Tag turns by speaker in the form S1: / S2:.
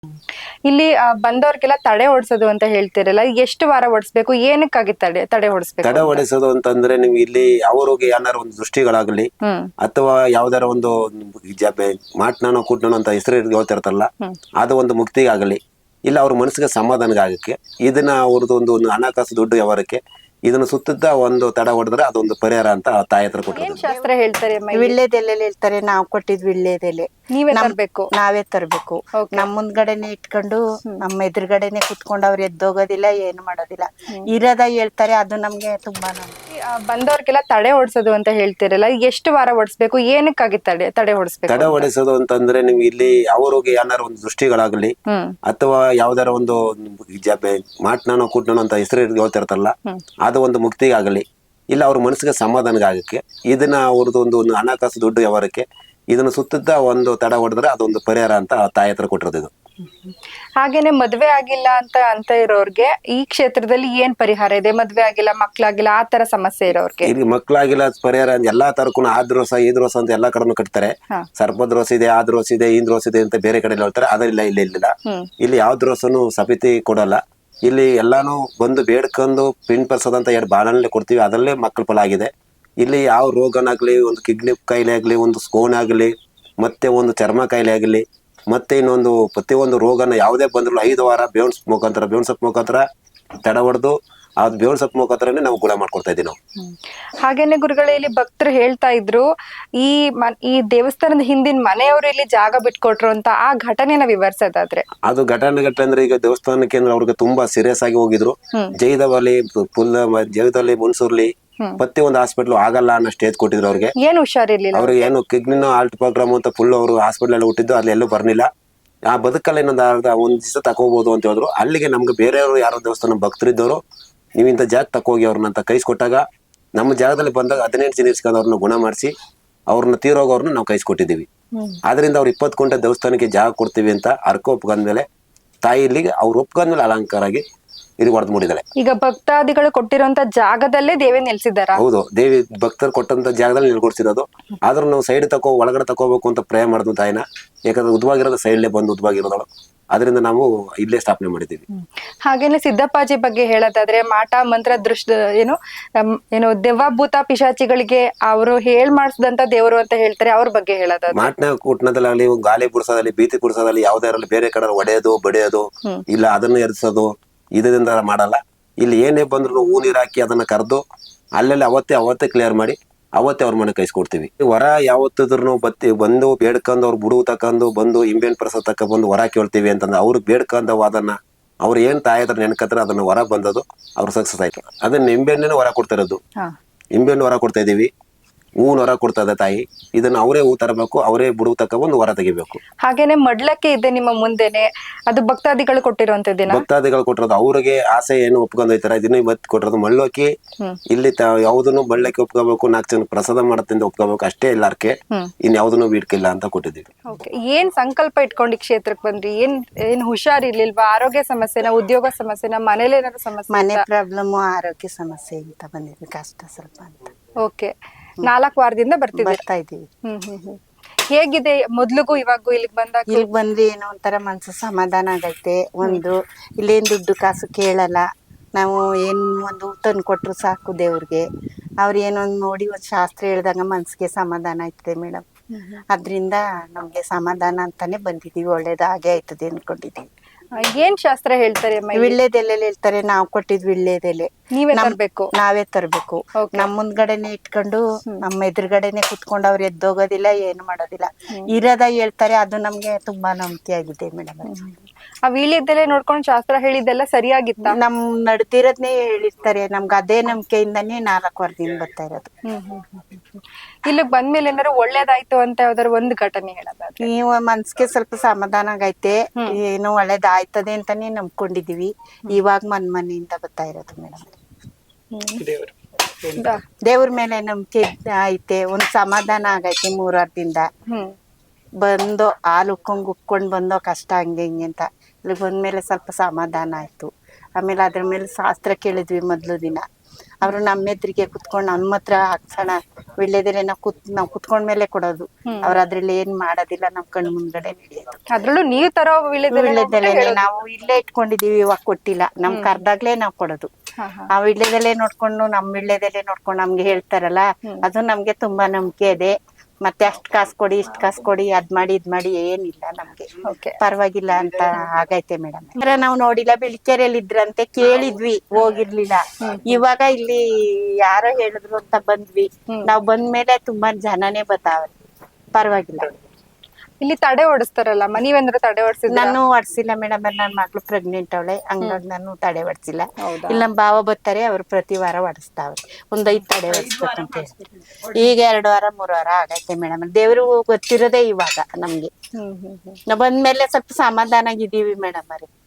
S1: ಇಲ್ಲಿ ಬಂದವ್ರಿಗೆಲ್ಲ ತಡೆ ಓಡಿಸೋದು ಅಂತ ಹೇಳ್ತಿರಲ್ಲ, ಎಷ್ಟು ವಾರ ಓಡಿಸ್ಬೇಕು, ಏನಕ್ಕಾಗಿ ತಡೆ ತಡೆ ಓಡಿಸ್ಬೇಕು
S2: ತಡೆ
S1: ಅಂತ?
S2: ಹೊಡೆಸೋದು ಅಂತಂದ್ರೆ ನೀವು ಇಲ್ಲಿ ಅವ್ರಿಗೆ ಏನಾರ ಒಂದು ದೃಷ್ಟಿಗಳಾಗ್ಲಿ ಅಥವಾ ಯಾವ್ದಾರ ಒಂದು ಮಾಟ್ನಾನೋ ಕೂಟ್ನಾನೋ ಅಂತ ಹೆಸರು ಹೇಳ್ತಿರ್ತಾರಲ್ಲ, ಅದು ಒಂದು ಮುಕ್ತಿಗಾಗಲಿ ಇಲ್ಲ ಅವ್ರ ಮನಸ್ಸಿಗೆ ಸಮಾಧಾನಗಾಗಕ್ಕೆ ಇದನ್ನ ಅವ್ರದ್ದು ಒಂದು ಹಣಕಾಸು ದುಡ್ಡು ವ್ಯವಹಾರಕ್ಕೆ ಇದನ್ನ ಸುತ್ತದ ಒಂದು ತಡೆ ಹೊಡೆದ್ರೆ ಅದೊಂದು ಪರಿಹಾರ ಅಂತ ಆ ತಾಯಿ ಹತ್ರ
S1: ಏನ್
S2: ಕೊಟ್ಟಿರೋದು.
S1: ಶಾಸ್ತ್ರ ಹೇಳ್ತಾರೆ ಅಮ್ಮ ಇಲ್ಲಿ?
S3: ವಿಳ್ಳೆದೆಲೆ ಹೇಳ್ತಾರೆ, ನಾವ್ ಕೊಟ್ಟಿದ್ ವಿಳ್ಳೆದೆಲೆ
S1: ನೀವೇ ತರ್ಬೇಕು?
S3: ನಾವೇ ತರ್ಬೇಕು.
S1: Okay.
S3: ನಮ್ ಮುಂದ್ಗಡೆನೆ ಇಟ್ಕೊಂಡು ನಮ್ಮ ಎದುರುಗಡೆನೆ ಕುತ್ಕೊಂಡು ಅವ್ರು ಎದ್ದೋಗೋದಿಲ್ಲ, ಏನು ಮಾಡೋದಿಲ್ಲ. ಇರೋದ ಹೇಳ್ತಾರೆ, ಅದು ನಮ್ಗೆ ತುಂಬಾ
S1: ಬಂದವ್ರಿಗೆಲ್ಲ ತಡೆ ಓಡಿಸೋದು ಅಂತ ಹೇಳ್ತಿರಲ್ಲ, ಎಷ್ಟು ವಾರ ಓಡಿಸ್ಬೇಕು, ಏನಕ್ಕಾಗಿ ತಡೆ ತಡೆ ಓಡಿಸ್ಬೇಕು
S2: ತಡೆ
S1: ಅಂತ?
S2: ಹೊಡೆಸೋದು ಅಂತಂದ್ರೆ ನೀವು ಇಲ್ಲಿ ಅವ್ರಿಗೆ ಏನಾರ ಒಂದು ದೃಷ್ಟಿಗಳಾಗ್ಲಿ ಅಥವಾ ಯಾವ್ದಾರ ಒಂದು ಮಾಟ್ನಾನೋ ಕೂಟ್ನಾನೋ ಅಂತ ಹೆಸರು ಹೇಳ್ತಿರ್ತಾರಲ್ಲ, ಅದು ಒಂದು ಮುಕ್ತಿಗಾಗಲಿ ಇಲ್ಲ ಅವ್ರ ಮನಸ್ಸಿಗೆ ಸಮಾಧಾನಗಾಗಕ್ಕೆ ಇದನ್ನ ಅವ್ರದ್ದು ಒಂದು ಹಣಕಾಸು ದುಡ್ಡು ವ್ಯವಹಾರಕ್ಕೆ ಇದನ್ನ ಸುತ್ತದ ಒಂದು ತಡೆ ಹೊಡೆದ್ರೆ ಅದೊಂದು ಪರಿಹಾರ ಅಂತ ಆ ತಾಯಿ ಹತ್ರ ಕೊಟ್ಟಿರೋದು ಇದು.
S1: ಹಾಗೇನೆ ಮದ್ವೆ ಆಗಿಲ್ಲ ಅಂತ ಇರೋರ್ಗೆ ಈ ಕ್ಷೇತ್ರದಲ್ಲಿ ಏನ್ ಪರಿಹಾರ ಇದೆ? ಮದ್ವೆ ಆಗಿಲ್ಲ, ಮಕ್ಳಾಗಿಲ್ಲ, ಆ ತರ ಸಮಸ್ಯೆ ಇರೋರ್ಗೆ
S2: ಇಲ್ಲಿ ಮಕ್ಳಾಗಿಲ್ಲ ಪರಿಹಾರ ಎಲ್ಲಾ ತರಕ್ಕೂ ಆದ್ರೋಸ ಈದ್ರೋಸ ಅಂತ ಎಲ್ಲಾ ಕಡೆನೂ ಕಟ್ತಾರೆ. ಸರ್ಪದ್ರೋಸ ಇದೆ, ಆದ್ರೋಸ ಇದೆ, ಇಂದ್ರೋಸ ಇದೆ ಅಂತ ಬೇರೆ ಕಡೆ ಹೇಳ್ತಾರೆ. ಅದರಿಲ್ಲ, ಇಲ್ಲ ಇಲ್ಲಿ ಯಾವ ದ್ರೋಸನು ಸಮಿತಿ ಕೊಡಲ್ಲ. ಇಲ್ಲಿ ಎಲ್ಲಾನು ಬಂದು ಬೇಡ್ಕೊಂಡು ಪಿನ್ ಪರ್ಸೋದಂತ ಎರಡು ಬಾಣಲೆ ಕೊಡ್ತೀವಿ, ಅದರಲ್ಲೇ ಮಕ್ಕಳ ಫಲ ಆಗಿದೆ. ಇಲ್ಲಿ ಯಾವ ರೋಗನಾಗ್ಲಿ, ಒಂದು ಕಿಡ್ನಿ ಕಾಯಿಲೆ ಆಗ್ಲಿ, ಒಂದು ಸ್ಕೋನ್ ಆಗ್ಲಿ, ಮತ್ತೆ ಒಂದು ಚರ್ಮ ಕಾಯಿಲೆ ಆಗ್ಲಿ, ಮತ್ತೆ ಇನ್ನೊಂದು ಪ್ರತಿಯೊಂದು ರೋಗನ ಯಾವುದೇ ಬಂದ್ರು 5 ವಾರ ಬೇವಿನ ಸೊಪ್ಪು ಮುಖಾಂತರ ತಡೆ ಹೊಡೆದು ಅದ್ ಬೇವಿನ ಸೊಪ್ಪು ಮುಖಾಂತರನೇ ನಾವು ಗುಣ ಮಾಡ್ಕೊಡ್ತಾ ಇದೀವಿ ನಾವು.
S1: ಹಾಗೇನೆ ಗುರುಗಳೇ, ಇಲ್ಲಿ ಭಕ್ತರು ಹೇಳ್ತಾ ಇದ್ರು ಈ ದೇವಸ್ಥಾನದ ಹಿಂದಿನ ಮನೆಯವರು ಇಲ್ಲಿ ಜಾಗ ಬಿಟ್ಕೊಟ್ರು ಅಂತ, ಆ ಘಟನೆನ ವಿವರಿಸೋದಾದ್ರೆ?
S2: ಅದು ಘಟನೆ ಅಂದ್ರೆ ಈಗ ದೇವಸ್ಥಾನಕ್ಕೆ ಅಂದ್ರೆ ಅವ್ರಿಗೆ ತುಂಬಾ ಸೀರಿಯಸ್ ಆಗಿ ಹೋಗಿದ್ರು. ಜೈದಲ್ಲಿ ಮುನ್ಸೂರ್ಲಿ ಪ್ರತಿ ಒಂದು ಹಾಸ್ಪಿಟ್ಲ್ ಆಗಲ್ಲ ಅನ್ನೋ ಸ್ಟೇಜ್ ಕೊಟ್ಟಿದ್ರು ಅವ್ರಿಗೆ.
S1: ಏನ್ ಹುಷಾರಿರ್ಲಿಲ್ಲ
S2: ಅವ್ರಿಗೆ ಏನು ಕಿಡ್ನಿನೋ ಆಲ್ಟ್ ಪ್ರೋಗ್ರಾಮ್ ಅಂತ ಫುಲ್ ಅವರು ಹಾಸ್ಪಿಟಲ್ ಎಲ್ಲ ಹುಟ್ಟಿದ್ದು, ಅಲ್ಲಿ ಎಲ್ಲೂ ಬರ್ಲಿಲ್ಲ. ಆ ಬದುಕಲ್ಲ ಇನ್ನೊಂದು ಒಂದ್ ದಿವಸ ತಕೋಬಹುದು ಅಂತ ಹೇಳಿದ್ರು. ಅಲ್ಲಿಗೆ ನಮ್ಗೆ ಬೇರೆಯವರು ಯಾರೋ ದೇವಸ್ಥಾನ ಭಕ್ತರಿದ್ದವರು, ನೀವು ಇಂಥ ಜಾಗ ತಕೋಗಿ ಅವ್ರನ್ನ ಅಂತ ಕೈಸ್ಕೊಟ್ಟಾಗ ನಮ್ಮ ಜಾಗದಲ್ಲಿ ಬಂದಾಗ 18 ಜನ ಇಸ್ಕೊಂಡು ಅವ್ರನ್ನ ಗುಣ ಮಾಡಿಸಿ ಅವ್ರನ್ನ ತೀರೋಗೋರ್ನ ನಾವು ಕೈಸ್ಕೊಟ್ಟಿದ್ದೀವಿ. ಆದ್ರಿಂದ ಅವ್ರು 20 ಗಂಟೆ ದೇವಸ್ಥಾನಕ್ಕೆ ಜಾಗ ಕೊಡ್ತೀವಿ ಅಂತ ಅರ್ಕ ಒಪ್ಕೊಂಡ್ಮೇಲೆ ತಾಯಿ ಇಲ್ಲಿಗೆ ಅವ್ರು ಒಪ್ಕೊಂಡ್ಮೇಲೆ ಅಲಂಕಾರ ಆಗಿ ಇದು ಹೊಡೆದ್ ಮೂಡಿದಾಳೆ.
S1: ಈಗ ಭಕ್ತಾದಿಗಳು ಕೊಟ್ಟಿರುವಂತ ಜಾಗದಲ್ಲೇ ದೇವಿ ನೆಲೆಸಿದಾರ?
S2: ಹೌದು, ದೇವಿ ಭಕ್ತರು ಕೊಟ್ಟಂತ ಜಾಗದಲ್ಲಿ ನಿಲ್ಗೊಡ್ಸಿರೋದು. ಆದ್ರೂ ನಾವು ಸೈಡ್ ಒಳಗಡೆ ತಕೋಬೇಕು ಅಂತ ಪ್ರೇ ಮಾಡಿದ್ವು ತಾಯಿನ. ಯಾಕಂದ್ರೆ ಉದ್ವಾಗಿರೋದು ಸೈಡ್ಲೇ ಬಂದು ಉದ್ವಾಗಿರೋದಳು, ಅದರಿಂದ ನಾವು ಇಲ್ಲೇ ಸ್ಥಾಪನೆ ಮಾಡಿದ್ದೀವಿ.
S1: ಹಾಗೇನೆ ಸಿದ್ದಪ್ಪಾಜಿ ಬಗ್ಗೆ ಹೇಳೋದಾದ್ರೆ, ಮಾಟ ಮಂತ್ರ ಏನು ದೆವ್ವ ಭೂತ ಪಿಶಾಚಿಗಳಿಗೆ ಅವರು ಮಾಡಿಸಿದಂತ ದೇವರು ಅಂತ ಹೇಳ್ತಾರೆ, ಅವ್ರ ಬಗ್ಗೆ ಹೇಳೋದಾದ್ರೆ?
S2: ಮಾಟ್ನ ಕೂಟ್ನದಲ್ಲಿ ಗಾಳಿ ಬಿಡ್ಸೋದಲ್ಲಿ, ಭೀತಿ ಬಿಡ್ಸೋದಲ್ಲಿ, ಯಾವ್ದಾರಲ್ಲಿ ಬೇರೆ ಕಡೆ ಹೊಡೆಯೋದು ಬಡಿಯೋದು ಇಲ್ಲ ಅದನ್ನ ಎರ್ಸೋದು ಇದರಿಂದ ಮಾಡಲ್ಲ. ಇಲ್ಲಿ ಏನೇ ಬಂದ್ರು ಹೂ ನೀರ್ ಹಾಕಿ ಅದನ್ನ ಕರೆದು ಅಲ್ಲೆಲ್ಲ ಅವತ್ತೇ ಕ್ಲಿಯರ್ ಮಾಡಿ ಅವತ್ತೇ ಅವ್ರ ಮನೆ ಕೈಸ್ಕೊಡ್ತೀವಿ. ವರ ಯಾವತ್ತಿದ್ರು ಬಂದು ಬೇಡ್ಕೊಂಡು ಅವ್ರು ಬುಡುವು ತಕೊಂಡು ಬಂದು ಇಂಬೇನ್ ಪ್ರಸಾದ ತಕ್ಕ ಬಂದು ವರ ಕೇಳ್ತೀವಿ ಅಂತಂದ್ರೆ ಅವ್ರಿಗೆ ಬೇಡ್ಕೊಂಡು ಅದನ್ನ ಅವ್ರು ಏನ್ ತಾಯಿ ಹತ್ರ ನೆನ್ಕತ್ರ ಅದನ್ನ ವರ ಬಂದದು ಅವ್ರು ಸಕ್ಸಸ್ ಆಯ್ತು. ಅದನ್ನ ನಿಂಬೆಣ್ಣೆ ವರ ಕೊಡ್ತಾ ಇರೋದು. ನಿಂಬೆಣ್ಣು ವರ ಕೊಡ್ತಾ ಇದೀವಿ, ಹೂವಿನ ವರ ಕೊಡ್ತಾ ಇದೆ ತಾಯಿ. ಇದನ್ನ ಅವರೇ ಹೂ ತರಬೇಕು, ಅವರೇ ಬುಡುವು ತಕ್ಕ ಒಂದು ವರ ತೆಗಿಬೇಕು.
S1: ಹಾಗೇನೆ ಮಡ್ಲಕ್ಕೆ ಇದೆ ನಿಮ್ಮ ಮುಂದೆನೆ, ಅದು ಭಕ್ತಾದಿಗಳು ಕೊಟ್ಟಿರುವಂತದ್ದೇನ? ಭಕ್ತಾದಿಗಳು
S2: ಕೊಟ್ಟಿರೋದು. ಅವ್ರಿಗೆ ಆಸೆ ಏನು ಒಪ್ಕೊಂಡೋಯ್ತಾರ ಇದನ್ನ ಇವತ್ತು ಕೊಟ್ಟಿರೋದು. ಮಳ್ಳೋಕಿ ಇಲ್ಲಿ ಯಾವ್ದನ್ನು ಬಳ್ಳಕ್ಕೆ ಒಪ್ಕೋಬೇಕು, 4 ಜನ ಪ್ರಸಾದ ಮಾಡತ್ತಿಂದ ಒಪ್ಕೋಬೇಕು ಅಷ್ಟೇ, ಎಲ್ಲಾರ್ಕೆ ಇನ್ ಯಾವ್ದನ್ನು ಬಿಡ್ಕಿಲ್ಲ ಅಂತ ಕೊಟ್ಟಿದ್ದೀವಿ.
S1: ಏನ್ ಸಂಕಲ್ಪ ಇಟ್ಕೊಂಡು ಈ ಕ್ಷೇತ್ರಕ್ಕೆ ಬಂದ್ರಿ? ಏನ್ ಹುಷಾರಿರ್ಲಿಲ್ವಾ? ಆರೋಗ್ಯ ಸಮಸ್ಯೆನ, ಉದ್ಯೋಗ ಸಮಸ್ಯೆನ, ಮನೇಲಿ ಏನಾದ್ರು ಸಮಸ್ಯೆ?
S3: ಮನೆ ಪ್ರಾಬ್ಲಮ್, ಆರೋಗ್ಯ ಸಮಸ್ಯೆ ಅಂತ ಬಂದಿದ್ವಿ, ಕಷ್ಟ ಸ್ವಲ್ಪ ಅಂತ.
S1: ಓಕೆ, 4 ವಾರದಿಂದ ಬರ್ತಾ
S3: ಇದೀವಿ.
S1: ಹೇಗಿದೆ ಮೊದ್ಲಿಗೂ ಇವಾಗೂ ಇಲ್ಲಿಗೆ ಬಂದಾಗ?
S3: ಇಲ್ಲಿಗೆ ಬಂದ್ರೆ ಏನೋ ಒಂಥರ ಮನ್ಸು ಸಮಾಧಾನ ಆಗೈತೆ. ಒಂದು ಇಲ್ಲೇನ್ ದುಡ್ಡು ಕಾಸು ಕೇಳಲ್ಲ ನಾವು, ಏನ್ ಒಂದು ತಂದು ಕೊಟ್ರು ಸಾಕು ದೇವ್ರಿಗೆ. ಅವ್ರು ಏನೊಂದು ನೋಡಿ ಒಂದ್ ಶಾಸ್ತ್ರ ಹೇಳ್ದಂಗ ಮನ್ಸಿಗೆ ಸಮಾಧಾನ ಆಯ್ತದೆ ಮೇಡಮ್. ಅದ್ರಿಂದ ನಮ್ಗೆ ಸಮಾಧಾನ ಅಂತಾನೆ ಬಂದಿದೀವಿ, ಒಳ್ಳೇದು ಹಾಗೆ ಆಯ್ತದೆ ಅನ್ಕೊಂಡಿದೀವಿ.
S1: ಏನ್ ಶಾಸ್ತ್ರ ಹೇಳ್ತಾರೆ?
S3: ವಿಳ್ಳೆದೆಲೆ ಹೇಳ್ತಾರೆ, ನಾವ್ ಕೊಟ್ಟಿದ್ ವಿಳ್ಳೆದೆಲೆ ನಾವೇ ತರ್ಬೇಕು. ನಮ್ ಮುಂದ್ಗಡೆನೆ ಇಟ್ಕೊಂಡು ನಮ್ಮ ಎದುರುಗಡೆನೆ ಕುತ್ಕೊಂಡು ಅವ್ರು ಎದ್ದೋಗೋದಿಲ್ಲ, ಏನು ಮಾಡೋದಿಲ್ಲ. ಇರೋದ ಹೇಳ್ತಾರೆ, ಅದು ನಮ್ಗೆ ತುಂಬಾ ನಂಬಿಕೆ ಆಗಿದೆ ಮೇಡಮ್.
S1: ಆ ವೀಳ್ಯದೆಲೆ ನೋಡ್ಕೊಂಡು ಶಾಸ್ತ್ರ ಹೇಳಿದ್ದೆಲ್ಲ ಸರಿಯಾಗಿತ್ತ?
S3: ನಮ್ ನಡ್ದಿರೋದ್ನೇ ಹೇಳಿರ್ತಾರೆ, ನಮ್ಗೆ ಅದೇ ನಂಬಿಕೆಯಿಂದಾನೇ 4 ವಾರದಿಂದ ಬರ್ತಾ ಇರೋದು.
S1: ಇಲ್ಲಿಗ್ ಬಂದ್ಮೇಲೆ ಏನಾದ್ರು ಒಳ್ಳೇದಾಯ್ತು ಅಂತ ಯಾವ್ದಾದ್ರು ಒಂದು ಘಟನೆ ಹೇಳೋದಾದ್ರೆ?
S3: ನೀವು ಮನ್ಸಿಗೆ ಸ್ವಲ್ಪ ಸಮಾಧಾನ ಆಗೈತೆ, ಏನು ಒಳ್ಳೇದಾಯ್ತದೆ ಅಂತಾನೆ ನಂಬ್ಕೊಂಡಿದೀವಿ. ಇವಾಗ ಮನೆಯಿಂದ ಬರ್ತಾ ಇರೋದು ಮೇಡಮ್. ದೇವ್ರ ಮೇಲೆ ನಂಬಿಕೆ ಐತೆ, ಒಂದ್ ಸಮಾಧಾನ ಆಗೈತೆ. 3 ವಾರದಿಂದ ಬಂದು ಹಾಲು ಉಕ್ಕೊಂಡ್ ಬಂದೋ ಕಷ್ಟ ಹಂಗೆ ಹಿಂಗೆ ಅಂತ, ಇಲ್ಲಿ ಬಂದ್ಮೇಲೆ ಸ್ವಲ್ಪ ಸಮಾಧಾನ ಆಯ್ತು. ಆಮೇಲೆ ಅದ್ರ ಮೇಲೆ ಶಾಸ್ತ್ರ ಕೇಳಿದ್ವಿ ಮೊದ್ಲು ದಿನ, ಅವ್ರು ನಮ್ಮ ಎದುರಿಗೆ ಕುತ್ಕೊಂಡು ನಮ್ಮ ಹತ್ರ ಹಾಕ್ಸೋಣ ವಿಳ್ಯದೆಲೆ ನಾವು ಕುತ್ಕೊಂಡ್ಮೇಲೆ ಕೊಡೋದು. ಅವ್ರ ಅದ್ರಲ್ಲಿ ಏನ್ ಮಾಡೋದಿಲ್ಲ, ನಮ್ ಕಣ್ಣು ಮುಂದ್ಗಡೆ ನಡೆಯೋದು.
S1: ಅದ್ರಲ್ಲೂ ನೀವ್ ತರೋ
S3: ವಿಳ್ಯದೆಲೆನೆ ನಾವು ಇಲ್ಲೇ ಇಟ್ಕೊಂಡಿದೀವಿ, ಇವಾಗ ಕೊಟ್ಟಿಲ್ಲ, ನಮ್ ಕರ್ದಾಗ್ಲೇ ನಾವ್ ಕೊಡೋದು. ಆ ವಿಳ್ಯದೆಲೆ ನೋಡ್ಕೊಂಡು ನಮ್ ವಿಳ್ಯದೆಲೆ ನೋಡ್ಕೊಂಡು ನಮ್ಗೆ ಹೇಳ್ತಾರಲ್ಲ, ಅದು ನಮ್ಗೆ ತುಂಬಾ ನಂಬಿಕೆ ಇದೆ. ಮತ್ತೆ ಅಷ್ಟ್ ಕಾಸು ಕೊಡಿ ಇಷ್ಟ್ ಕಾಸು ಕೊಡಿ ಅದ್ ಮಾಡಿ ಇದ್ ಮಾಡಿ ಏನಿಲ್ಲ, ನಮ್ಗೆ ಪರವಾಗಿಲ್ಲ ಅಂತ ಆಗೈತೆ ಮೇಡಮ್. ನಾವು ನೋಡಿಲ್ಲ, ಬೆಳಿಕೆರೆಯಲ್ಲಿ ಇದ್ರಂತೆ ಕೇಳಿದ್ವಿ, ಹೋಗಿರ್ಲಿಲ್ಲ. ಇವಾಗ ಇಲ್ಲಿ ಯಾರೋ ಹೇಳಿದ್ರು ಅಂತ ಬಂದ್ವಿ. ನಾವ್ ಬಂದ್ಮೇಲೆ ತುಂಬಾ ಜನನೇ ಬರ್ತಾವ್ರೆ, ಪರವಾಗಿಲ್ಲ.
S1: ಇಲ್ಲಿ ತಡೆ ಓಡಿಸ್ತಾರಲ್ಲ, ನೀವೇಂದ್ರೆ ತಡೆ ಓಡಿಸಿದ್ರೆ?
S3: ನಾನು ಹೊಡ್ಸಿಲ್ಲ ಮೇಡಮ್, ನನ್ ಮಕ್ಳು ಪ್ರೆಗ್ನೆಂಟ್ ಅವಳೆ, ಹಂಗಾಗಿ ನಾನು ತಡೆ ಹೊಡ್ಸಿಲ್ಲ. ಇಲ್ಲಿ ನಮ್ ಭಾವ ಬರ್ತಾರೆ, ಅವ್ರು ಪ್ರತಿ ವಾರ ಹೊಡಿಸ್ತಾವ್ರೆ. 5 ತಡೆ ಹೊಡಿಸ್ಬೇಕಂತ ಹೇಳಿ ಈಗ 2 ವಾರ 3 ವಾರ ಆಗೈತೆ ಮೇಡಮ್. ದೇವ್ರು ಗೊತ್ತಿರೋದೇ ಇವಾಗ ನಮ್ಗೆ. ನಾವ್ ಬಂದ್ಮೇಲೆ ಸ್ವಲ್ಪ ಸಮಾಧಾನ ಆಗಿದೀವಿ ಮೇಡಮ್ ಅವ್ರೆ.